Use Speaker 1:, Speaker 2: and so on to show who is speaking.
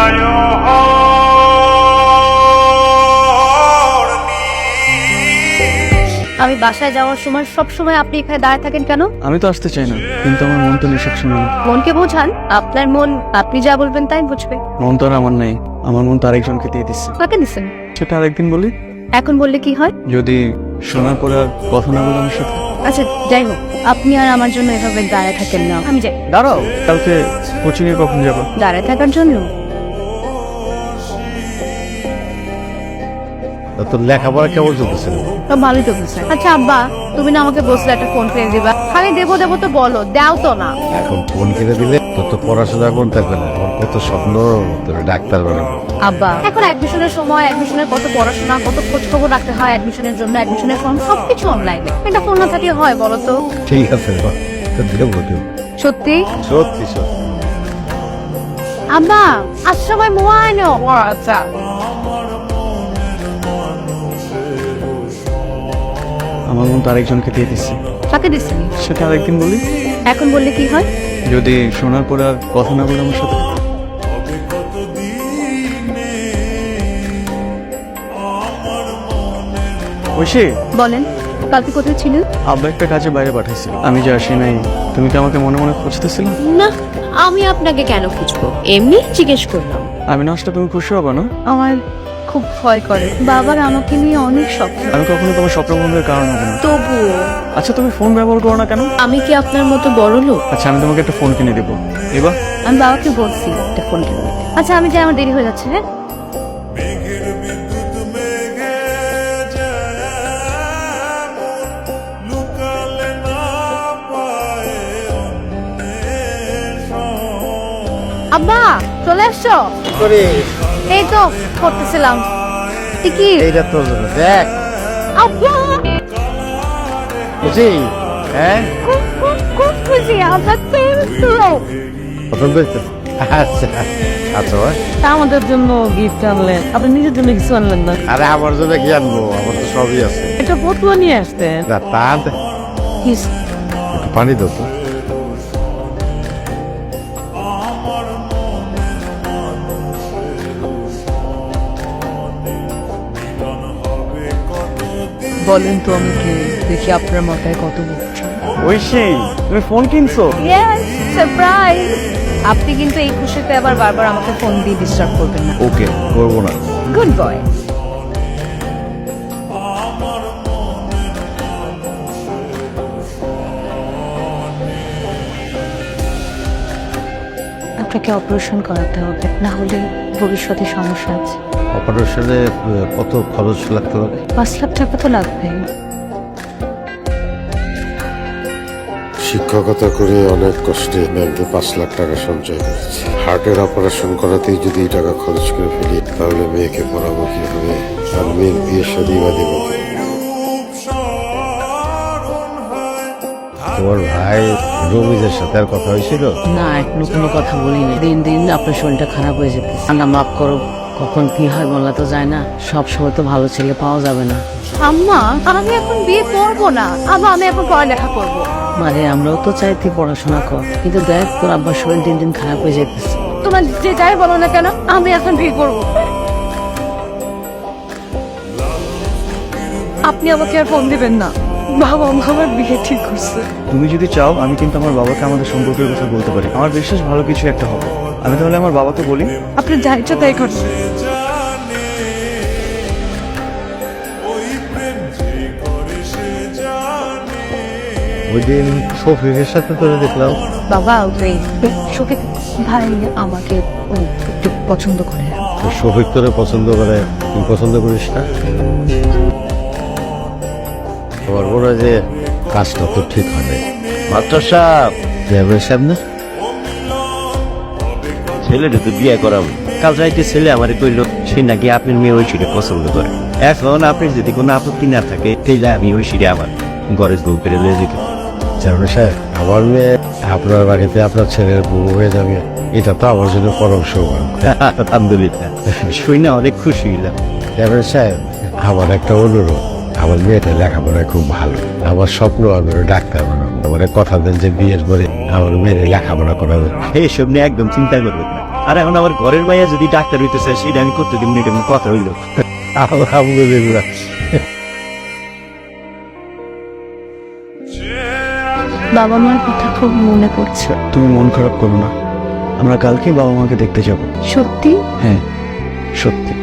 Speaker 1: আমি বাসায় যাওয়ার সময় সব সময় আপনি এখানে দাঁড়িয়ে থাকেন কেন?
Speaker 2: আমি তো আসতে চাই না, কিন্তু আমার মন তো নিঃশ্বাস শুনে না।
Speaker 1: মনকে বোঝান, আপনার মন আপনি যা বলবেন তাই বুঝবে।
Speaker 2: মন তো আর আমার নাই, আমার মন তো আরেকজনকে দিয়ে দিচ্ছে।
Speaker 1: কাকে দিচ্ছেন?
Speaker 2: সেটা আরেকদিন বলি।
Speaker 1: এখন বললে কি হয়?
Speaker 2: যদি শোনার পরে আর কথা না বলে আমার সাথে।
Speaker 1: আচ্ছা যাই হোক, আপনি আর আমার জন্য এভাবে দাঁড়ায় থাকেন না। আমি যাই।
Speaker 2: দাঁড়াও, কালকে কোচিং এ কখন যাবো?
Speaker 1: দাঁড়ায় থাকার জন্য?
Speaker 3: তোর লেখাপড়া কেমন চলতেছে?
Speaker 1: তো ভালোই তো বুঝছেন। আচ্ছা আব্বা, তুমি না আমাকে বসলে একটা ফোন কিনে দিবা? খালি দেবো দেবো তো বলো, দাও তো না।
Speaker 3: এখন ফোন কিনে দিলে তোর তো পড়াশোনা কোন থাকবে না। তোর কত স্বপ্ন, তোর ডাক্তার বানাবো।
Speaker 1: আব্বা এখন অ্যাডমিশনের সময়, অ্যাডমিশনের কত পড়াশোনা, কত খোঁজ খবর রাখতে হয় অ্যাডমিশনের জন্য, অ্যাডমিশনের ফর্ম সবকিছু অনলাইনে। এটা ফোন না থাকলে হয় বলো তো?
Speaker 3: ঠিক আছে দেবো দেবো।
Speaker 1: সত্যি
Speaker 3: সত্যি সত্যি।
Speaker 1: আব্বা আজ সবাই মোবাইল। আচ্ছা
Speaker 2: আমার মন তো আরেকজনকে দিয়ে দিচ্ছে।
Speaker 1: কাকে দিচ্ছেন?
Speaker 2: সেটা আরেকদিন বলি।
Speaker 1: এখন বললে কি হয়?
Speaker 2: যদি শোনার পরে আর কথা না বলে আমার সাথে। ঐশী,
Speaker 1: বলেন, কালকে কোথায় ছিলেন?
Speaker 2: আব্বা একটা কাজে বাইরে পাঠাইছিল, আমি যে আসি নাই। তুমি কি আমাকে মনে মনে খুঁজতেছিলে?
Speaker 1: না, আমি আপনাকে কেন খুঁজবো, এমনি জিজ্ঞেস করলাম।
Speaker 2: আমি না আসলে তুমি খুশি হবে না?
Speaker 1: আমার খুব ভয় করে, বাবার আমাকে নিয়ে অনেক স্বপ্ন।
Speaker 2: আমি কখনো তোমার স্বপ্ন বন্ধের কারণ হবো না।
Speaker 1: তবুও
Speaker 2: আচ্ছা তুমি ফোন ব্যবহার করো না কেন?
Speaker 1: আমি কি আপনার মতো বড় লোক?
Speaker 2: আচ্ছা আমি তোমাকে একটা ফোন কিনে দেবো, এবার।
Speaker 1: আমি বাবাকে বলছি একটা ফোন কিনে দিতে। আচ্ছা আমি যাই, আমার দেরি হয়ে যাচ্ছে। হ্যাঁ আব্বা চলে আসছো? এই তো করতেছিলাম। কি
Speaker 3: এইটা তোর জন্য দেখ
Speaker 1: আব্বা,
Speaker 3: বুঝি। হ্যাঁ
Speaker 1: খুব খুব খুব খুশি। আব্বা তো
Speaker 3: পছন্দ হয়েছে? আচ্ছা আচ্ছা ভাই।
Speaker 4: আমাদের জন্য গিফট আনলেন, আপনি নিজের জন্য কিছু আনলেন না?
Speaker 3: আরে আমার জন্য কি আনবো, আমার তো সবই আছে।
Speaker 4: একটা ফতুয়া নিয়ে আসতেন।
Speaker 3: না তা আনতে- একটু পানি দাও তো।
Speaker 4: বলেন তো আমি কে, দেখি আপনার মাথায় কত বুঝছেন।
Speaker 2: ঐশী, তুমি ফোন কিনছো?
Speaker 1: Yes, surprise. আপনি কিন্তু এই খুশিতে আবার বারবার আমাকে ফোন দিয়ে ডিস্টার্ব করবেন না।
Speaker 3: ওকে করবো না।
Speaker 1: Good boy.
Speaker 4: আপনাকে অপারেশন করাতে হবে, না হলে ভবিষ্যতে সমস্যা আছে।
Speaker 3: অপারেশনে কত খরচ লাগতে পারে?
Speaker 4: 5 লাখ টাকা তো লাগবে।
Speaker 5: শিক্ষকতা করে অনেক কষ্টে ব্যাংকে 5 লাখ টাকা সঞ্চয় করেছি। হার্টের অপারেশন করাতেই যদি এই টাকা খরচ করে ফেলি, তাহলে মেয়েকে পড়াবো কিভাবে, আর মেয়ের বিয়ে শাদী বা দেবো কি?
Speaker 3: তোমার ভাই রমিজের সাথে আর কথা হয়েছিল?
Speaker 4: না, এখনো কোনো কথা বলিনি। দিন দিন আপনার শরীরটা খারাপ হয়ে যেতে। না মাফ করো, কখন কি হয় বলা তো যায় না। সব সময় তো ভালো ছেলে পাওয়া যাবে না।
Speaker 1: আম্মা আমি এখন বিয়ে করবো না, আবার আমি এখন পড়ালেখা করবো।
Speaker 4: মানে আমরাও তো চাইতে পড়াশোনা কর, কিন্তু দেখ তোর আব্বার শরীর দিন দিন খারাপ হয়ে যেতেছে।
Speaker 1: তোমার যে যাই বলো না কেন, আমি এখন বিয়ে করবো। আপনি আমাকে আর ফোন দিবেন না, বাবা আমার বিয়ে ঠিক করছে।
Speaker 2: তুমি যদি চাও আমি কিন্তু আমার বাবাকে আমাদের সম্পর্কের কথা বলতে পারি। আমার বিশ্বাস ভালো কিছু একটা হবে। আমি তাহলে আমার বাবাকে বলি।
Speaker 1: আপনি যা ইচ্ছা তাই করছেন।
Speaker 3: ওই দিন শফিকের সাথে তোরে দেখলাম।
Speaker 1: বাবা ওই শফিক ভাই আমাকে একটু পছন্দ করে।
Speaker 3: ওই শফিক তোরে পছন্দ করে, তুই পছন্দ করিস না? আমার মনে হয় যে কাজটা তো ঠিক হবে। মাস্টার সাহেব, চেয়ারম্যান সাহেব না?
Speaker 6: ছেলেটা তো বিয়ে করাবো। কাল যাইতে ছেলে আমারে কইলো সে নাকি আপনার মেয়ে ঐশীরে পছন্দ করে। এখন আপনি যদি কোনো আপত্তি না থাকে, তাইলে আমি ঐশীরে আমার ঘরে বউ করে লয়ে যেতে।
Speaker 3: চেয়ারম্যান সাহেব, আমার মেয়ে আপনার বাড়িতে আপনার ছেলের বউ হয়ে যাবে, এটা তো আমার জন্য পরম সৌভাগ্য।
Speaker 6: আলহামদুলিল্লাহ, শুই না অনেক খুশি হইলাম।
Speaker 3: চেয়ারম্যান সাহেব, আমার একটা অনুরোধ, আমার মেয়েটা লেখাপড়ায় খুব ভালো। আমার স্বপ্ন আমি ডাক্তার বানাবো। আমার কথা দেন যে বিয়ের পরে আমার মেয়ের লেখাপড়া করাবে।
Speaker 6: এইসব নিয়ে একদম চিন্তা করবেন না। আর এখন আমার ঘরের মাইয়া যদি ডাক্তার হইতে চায় সেটা আমি করতে দিব না, এটা কোনো কথা হইলো?
Speaker 3: আলহামদুলিল্লাহ।
Speaker 1: বাবা মার কথা খুব মনে পড়ছে।
Speaker 2: তুমি মন খারাপ করো না, আমরা কালকে বাবা মাকে দেখতে যাব।
Speaker 1: সত্যি?
Speaker 2: হ্যাঁ, সত্যি।